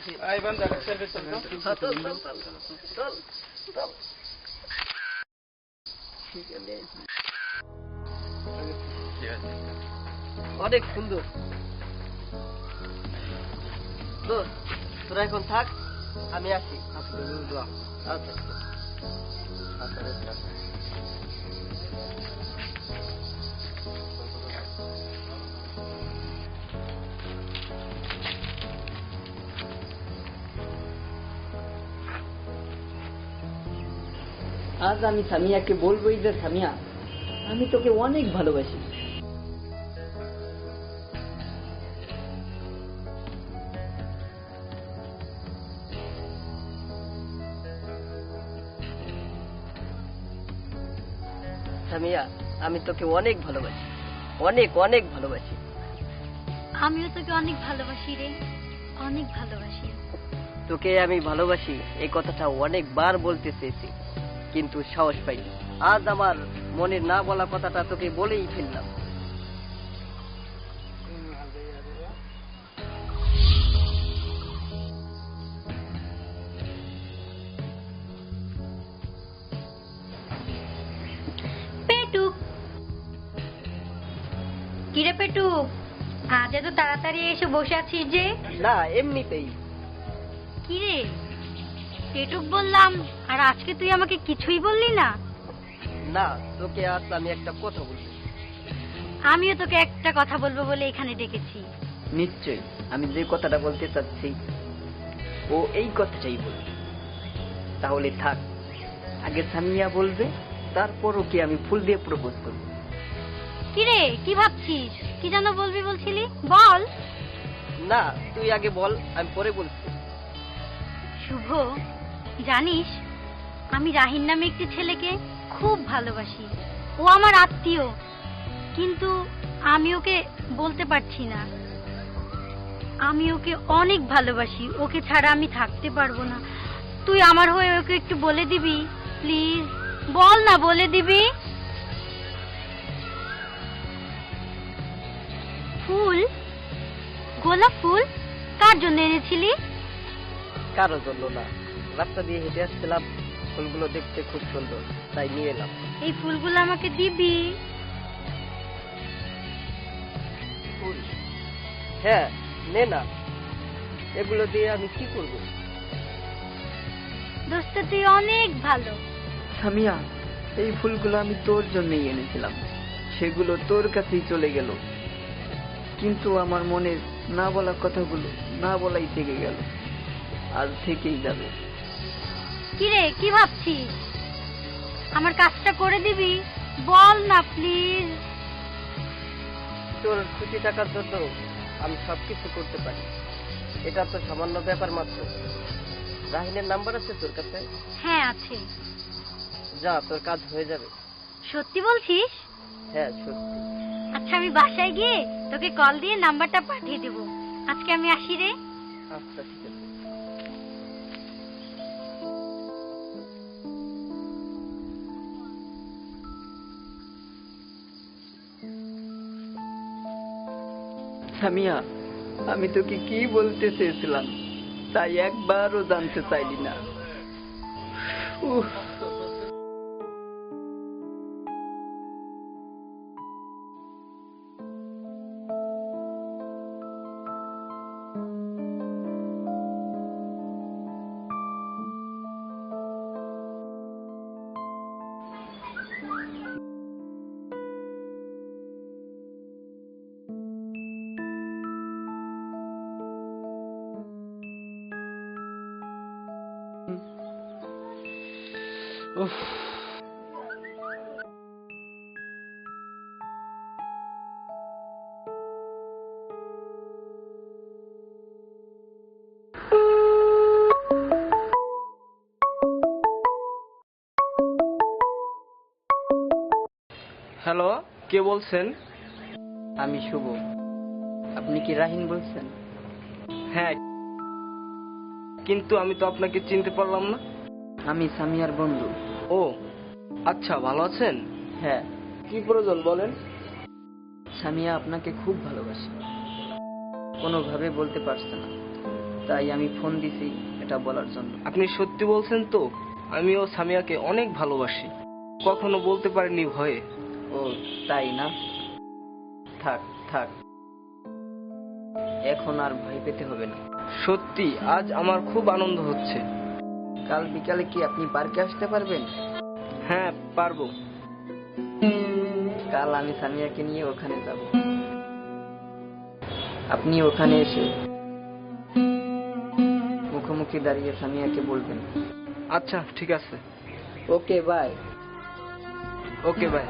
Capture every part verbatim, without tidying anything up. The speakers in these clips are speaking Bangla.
আই বান্দা সেলফি চল চল চল চল চল ঠিক আছে অনেক সুন্দর দোস্ত তোরা এখন থাক আমি আসি আচ্ছা আজ আমি সামিয়াকে বলবোই যে সামিয়া আমি তোকে অনেক ভালোবাসি। সামিয়া আমি তোকে অনেক ভালোবাসি, অনেক অনেক ভালোবাসি। আমিও তোকে অনেক ভালোবাসি রে, অনেক ভালোবাসি। তোকে আমি ভালোবাসি এই কথাটা অনেকবার বলতে চেয়েছি কিন্তু সাহস পাইনি। আজ আমার মনের না বলা কথাটা তোকে বলেই ফেললাম। পেটুক কিরে পেটুক, আজ এত তাড়াতাড়ি এসে বসে আছিস যে? না এমনিতেই। কিরে পেটুক বললাম আর আজকে তুই আমাকে কিছুই বললি না? না তোকে আজ আমি একটা কথা বলবো। আমিও তোকে একটা কথা বলবো বলে এখানে ডেকেছি। নিশ্চয়ই আমি যে কথাটা বলতে চাচ্ছি ও এই কথাটাই বলবে। তাহলে থাক, আগে সামিয়া বলবে, তারপর ওকে আমি ফুল দিয়ে প্রপোজ করব। কিরে কি ভাবছিস? কি যেন বলবি বলছিলি, বল। না তুই আগে বল, আমি পরে বলছি। শুভ, জানিস আমি রাহিন নামে একটি ছেলেকে খুব ভালোবাসি। ও আমার আত্মীয়, কিন্তু আমি ওকে বলতে পারছি না। আমি ওকে অনেক ভালোবাসি, ওকে ছাড়া আমি থাকতে পারবো না। তুই আমার হয়ে ওকে একটু বলে দিবি প্লিজ? বল না, বলে দিবি। ফুল, গোলাপ ফুল কার জন্য এনেছিলি? কারোর জন্য না, রাস্তা দিয়ে হেঁটে আসছিলাম, ফুলগুলো দেখতে খুব সুন্দর তাই নিয়ে এলাম। এই ফুলগুলো আমাকে দিবি? ফুল? হ্যাঁ নে না, এগুলো দিয়ে আমি কি করব? দোস্ত তুই অনেক ভালো। সামিয়া এই ফুলগুলো আমি তোর জন্যই এনেছিলাম, সেগুলো তোর কাছেই চলে গেল, কিন্তু আমার মনের না বলা কথাগুলো না বলাই থেকে গেল, আজ থেকেই যাবে। কিরে কি ভাবছিস? আমার কাজটা করে দিবি? বল না প্লিজ। তোর খুশি থাকার জন্য আমি সবকিছু করতে পারি, এটা তো সামান্য ব্যাপার মাত্র। রাহিনের নাম্বার আছে তোর কাছে? হ্যাঁ আছে। যা, তোর কাজ হয়ে যাবে। সত্যি বলছিস? হ্যাঁ সত্যি। আচ্ছা আমি বাসায় গিয়ে তোকে কল দিয়ে নাম্বারটা পাঠিয়ে দেব। আজকে আমি আসি রে। আচ্ছা ঠিক আছে। সামিয়া আমি তোকে কি বলতে চেয়েছিলাম তাই একবারও জানতে চাইলি না। উফ উফ হ্যালো, কে বলছেন? আমি শুভ, আপনি কি রাহিন বলছেন? হ্যাঁ, কিন্তু আমি তো আপনাকে চিনতে পারলাম না। আমি সামিয়ার বন্ধু। ও আচ্ছা, ভালো আছেন? হ্যাঁ। কি প্রয়োজন বলেন? সামিয়া আপনাকে খুব ভালোবাসে, কোনোভাবে বলতে পারছে না, তাই আমি ফোন দিছি এটা বলার জন্য। আপনি সত্যি বলছেন তো? আমিও সামিয়াকে অনেক ভালোবাসি, কখনো বলতে পারিনি ভয়ে। ও তাই না? থাক থাক, এখন আর ভয় পেতে হবে না। সত্যি আজ আমার খুব আনন্দ হচ্ছে। কাল বিকালে কি আপনি পার্কে আসতে পারবেন? হ্যাঁ পারবো। কাল আমি সামিয়াকে নিয়ে ওখানে যাব। আপনি ওখানে এসে মুখোমুখি দাঁড়িয়ে সামিয়াকে বলবেন। আচ্ছা ঠিক আছে। Okay bye. Okay bye.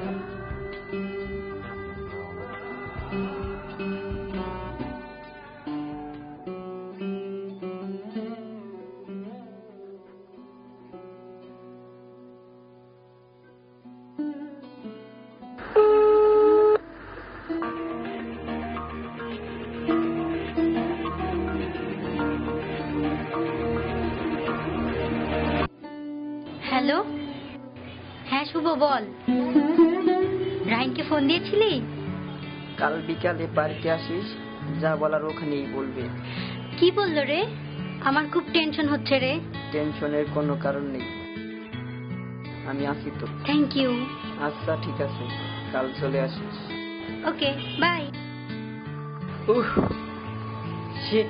Hello, হ্যাঁ শুভ বল। রাহিনকে ফোন দিয়েছিলি? কাল বিকালে পার্কে আসিস, যা বলার ওখানেই বলবে। কি বললো রে? আমার খুব টেনশন হচ্ছে রে। টেনশনের কোনো কারণ নেই, আমি আসি তো। Thank you. আচ্ছা ঠিক আছে, কাল চলে আসিস। Okay bye. Uh shit.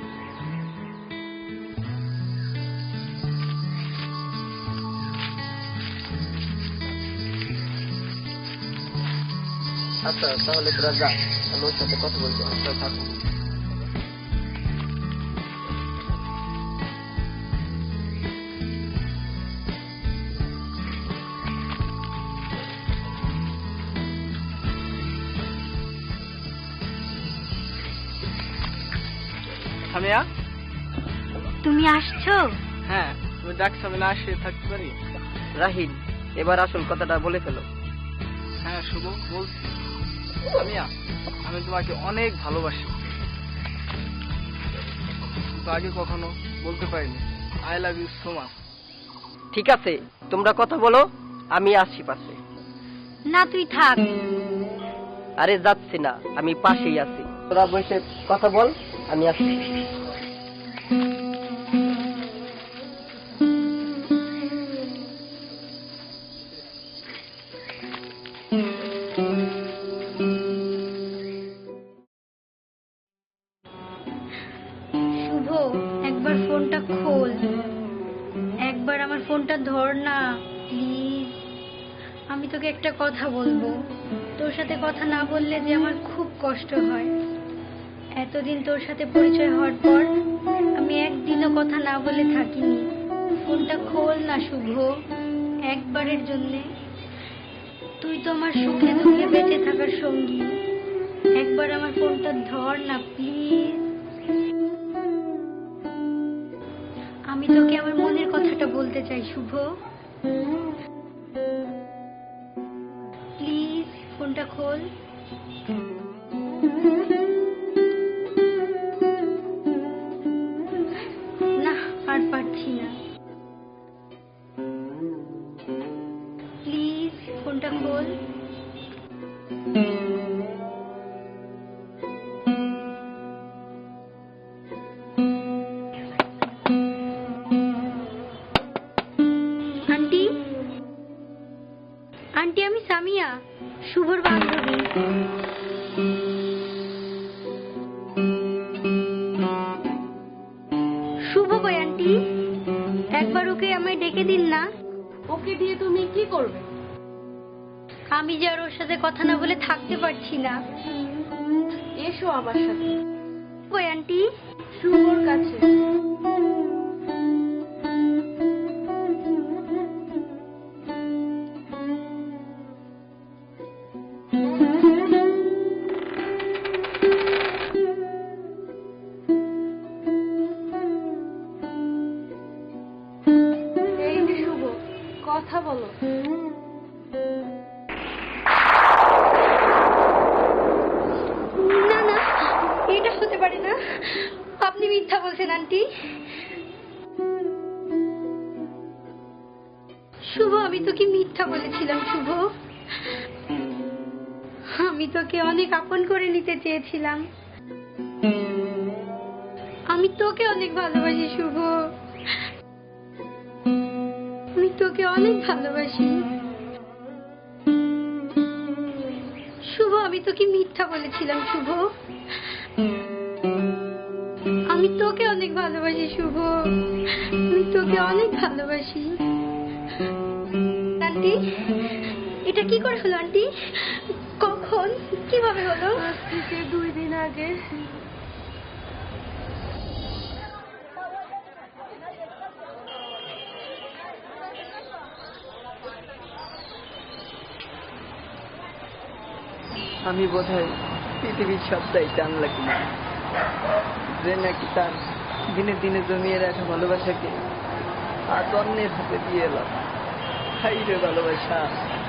আচ্ছা তাহলে তোরা যা, আমি ওর সাথে কথা বলবো। আচ্ছা থাকো। সামিয়া, তুমি আসছো? হ্যাঁ তুমি ডাকছো, আমি না আসে থাকতে পারি? রাহিন, এবার আসল কথাটা বলে ফেলো। হ্যাঁ শুভ বলছি। সামিয়া, আমি তোমাকে অনেক ভালোবাসি, কিন্তু আগে কখনো বলতে পারিনি। I love you so much. ঠিক আছে, তোমরা কথা বলো, আমি আসি পাশে। না তুই থাক। আরে যাচ্ছি না, আমি পাশেই আছি। তোরা বসে কথা বল, আমি আসি। শুভ, একবার ফোনটা খোল, একবার আমার ফোনটা ধর না প্লিজ। আমি তোকে একটা কথা বলবো, তোর সাথে কথা না বললে যে আমার খুব কষ্ট হয়। এতদিন তোর সাথে পরিচয় হওয়ার পর আমি একদিনও কথা না বলে থাকিনি। ফোনটা খোল না শুভ, একবারের জন্যে। তুই তো আমার সুখে দুঃখে বেঁচে থাকার সঙ্গী, একবার আমার ফোনটা ধর না প্লিজ। আমি তোকে আমার মনের কথাটা বলতে চাই শুভ, প্লিজ ফোনটা খোল। না আর পারছি না, প্লিজ ফোনটা খোল। আন্টি, আন্টি আমি সামিয়া, শুভর বান্ধবী। শুভ কই আন্টি? একবার ওকে আমায় ডেকে দিন না। ওকে দিয়ে তুমি কি করবে? আমি যে আর ওর সাথে কথা না বলে থাকতে পারছি না। এসো আমার সাথে। কই আন্টি? শুভর কাছে। এই যে শুভ, কথা বলো। না না, এটা হতে পারে না, আপনি মিথ্যা বলছেন আন্টি। শুভ, আমি তোকে মিথ্যা বলেছিলাম শুভ। আমি তোকে অনেক আপন করে নিতে চেয়েছিলাম। আমি আমি তোকে অনেক ভালোবাসি শুভ, আমি তোকে অনেক ভালোবাসি শুভ। আমি তোকে মিথ্যা বলেছিলাম শুভ, আমি তোকে অনেক ভালোবাসি শুভ, আমি তোকে অনেক ভালোবাসি। আন্টি, এটা কি করে হলো আন্টি? কখন, কিভাবে হলো? আজ থেকে দুই দিন আগে। আমি বোধহয় পৃথিবীর সবটাই জানলা কিনা, যে নাকি তার দিনে দিনে জমিয়ে রাখা ভালোবাসাকে আজ অন্যের হাতে দিয়ে এলাম। হাই রে ভালোবাসা।